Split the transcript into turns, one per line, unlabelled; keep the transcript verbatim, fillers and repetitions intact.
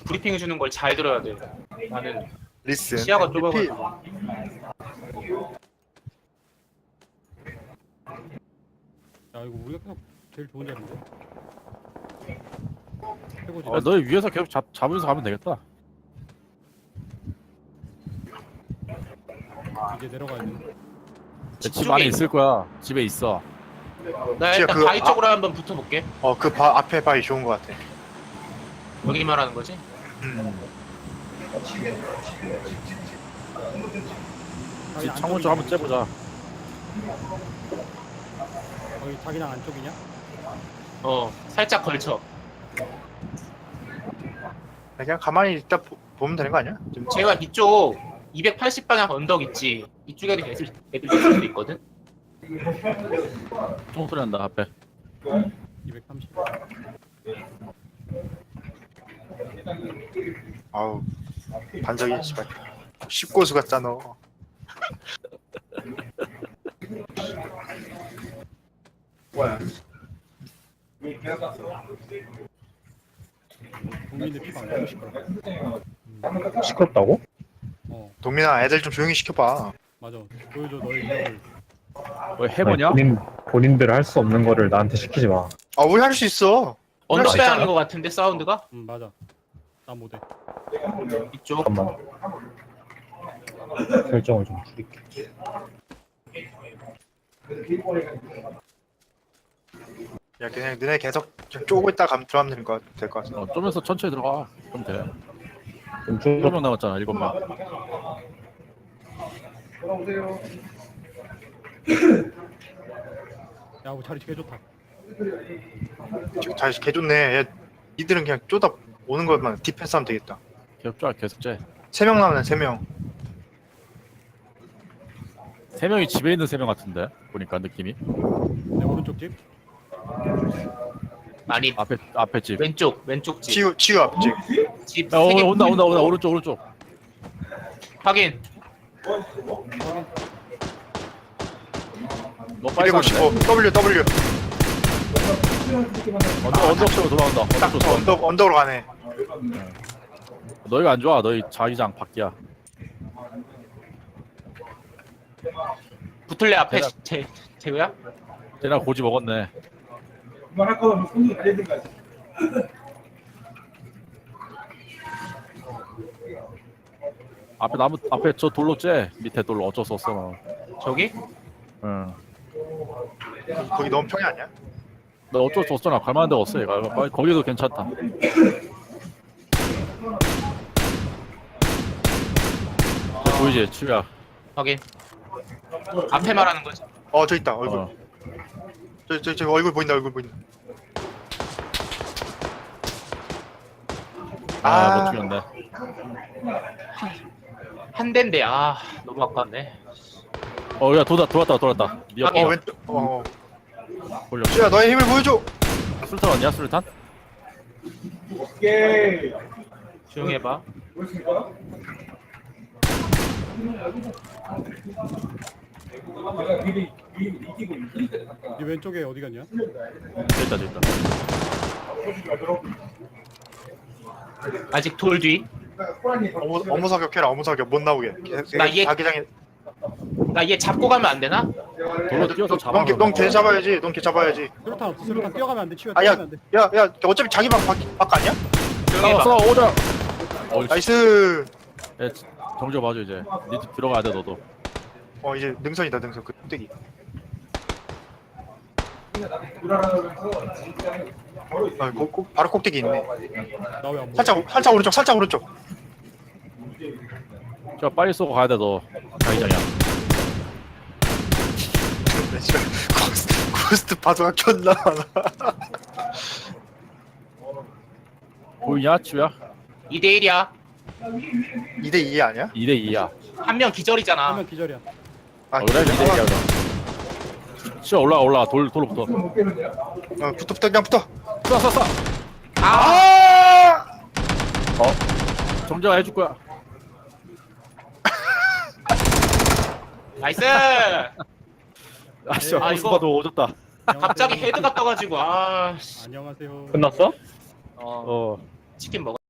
브리핑 해주는 걸 잘 들어야 돼. 나는
리슨
시야가
엠브이피.
좁아가지고.
야 이거 우리가 계속 제일 좋은 자리인데. 최고지.
어, 너희 위에서 계속 잡, 잡으면서 가면 되겠다.
이제 내려가야 돼.
집
쪽에
안에
있-
있을 거야. 집에 있어.
나
진짜
일단
그
바위
아-
쪽으로 한번 붙어볼게.
어, 그 바, 앞에 바위 좋은 것 같아.
여기 말하는 거지?
음.
집 창문 쪽 한번 째보자.
거기 자기장 안쪽이냐?
어, 살짝 걸쳐.
그냥 가만히 있다 보, 보면 되는 거 아니야? 좀
제가 이쪽 이백팔십 방향 언덕 있지. 이쪽에도 애들, 애들 있을 수도 있거든.
총소리 난다 앞에.
이백삼십.
아우 반짝이 씨발 십고수 같잖아.
국민들 피가 안 나고 싶더라.
시끄럽다고?
어
동민아 애들 좀 조용히 시켜봐.
맞아. 보여줘 너의 위력을.
왜 해보냐?
아니, 본인, 본인들 할 수 없는 거를 나한테 시키지 마.
아 우리 할 수 있어.
언덕
진짜?
방향인 것 같은데 사운드가?
응 맞아. 나 못해.
이쪽.
잠깐만. 설정을 좀 줄일게.
야 그냥 너네 계속 좀 쪼고 있다 감 들어가면 되는 거 될 것 같아.
어, 좀에서 천천히 들어가. 그럼 돼.
좀
일곱
쭉,
명 남았잖아. 일곱 명.
야 우리 자리 되게 좋다.
지금 다시 개 좋네. 야, 니들은 그냥 쪼다 오는 것만 디펜스 하면 되겠다.
계속 쫙 계속 째.
세 명 남았네 세 명.
세 명이 집에 있는 세 명 같은데 보니까 느낌이.
내 오른쪽 집.
아니,
앞에 앞에 집.
왼쪽, 왼쪽 집.
치유 치유 앞집.
집
야, 어,
세 개.
온다 온다 온다 오른쪽 오른쪽.
확인.
너 빨리 가는데?
이백오십오 W W.
언덕 언덕 쪽으로 돌아온다. 언덕
딱
쪽으로.
언덕 언덕으로 가네.
너희가 안 좋아. 너희 자기장 밖이야.
붙을래 앞에
내가-
제 제우야?
쟤나 고지 먹었네.
할 거면 손이 달려야 될거 같아.
앞에 나무 앞에 저 돌로 째. 밑에 돌로 어쩔 수 없어. 너.
저기?
응.
거기 너무 평이 아니야?
너 어쩔 수 없잖아. 갈만한 데가 없어. 얘가. 빨리 거기도 괜찮다. 저 보이지? 치우야.
확인. 앞에 말하는 거지.
어 저 있다 얼굴.
어.
저 저 저 얼굴 보인다 얼굴 보인다.
아,
아.
못 죽였네.
한 대인데 아 너무 아깝네.
어, 야, 돌았다, 돌았다, 돌았다. 니
아,
옆에
어 왼쪽. 어.
돌려.
치유야 너의 힘을 보여줘.
술탄 왔냐, 술탄?
오케이.
조용히 해봐.
보였습니까? 내가 미리 미리 이기고 있으니까 잠깐.
네 왼쪽에 어디 갔냐?
됐다, 됐다.
아직 돌 뒤.
어무 어무 사격해라 어무 사격 못 나오게.
나 얘-
자기장에.
나 얘 잡고 가면 안 되나?
돌로 뛰어서 잡아.
넌걔 잡아야지. 넌걔 잡아야지.
수류탄 없어. 수류탄 뛰어가면 안 돼. 치워
아야
뛰어가면 안 돼.
야야 어차피 자기 방 밖, 밖 아니야?
조용히
싸워,
해봐.
싸워, 오자. 어,
나이스.
야, 정조 봐줘, 이제. 니도 들어가야 돼, 너도.
어 이제 능선이다 능선 그 뚝배기. 아, 고, 고, 바로 꼭대기 있네.
나 왜 안 보여?
살짝 살짝 오른쪽 살짝 오른쪽.
저 빨리 쏘고 가야 돼, 너. 자기장이야.
고스트, 고스트 파도가 켰나?
보이냐, 치우야?
이 대 일이야.
이 대 이 아니야?
이 대 이야.
한 명 기절이잖아.
하면 기절이야.
아
어, 그래, 이 대 이야, 그럼. 치우 올라가, 올라가. 돌, 돌로 붙어.
못 깨는데요?
어, 붙어 붙어 그냥 붙어.
쏴, 쏴, 쏴!
아,
아!
어? 정조가 해줄 거야.
나이스.
아, 씨,
아,
코스
이거-
봐도 오졌다.
갑자기 헤드가 떠가지고 아 씨.
안녕하세요.
끝났어?
어,
어.
치킨 먹어.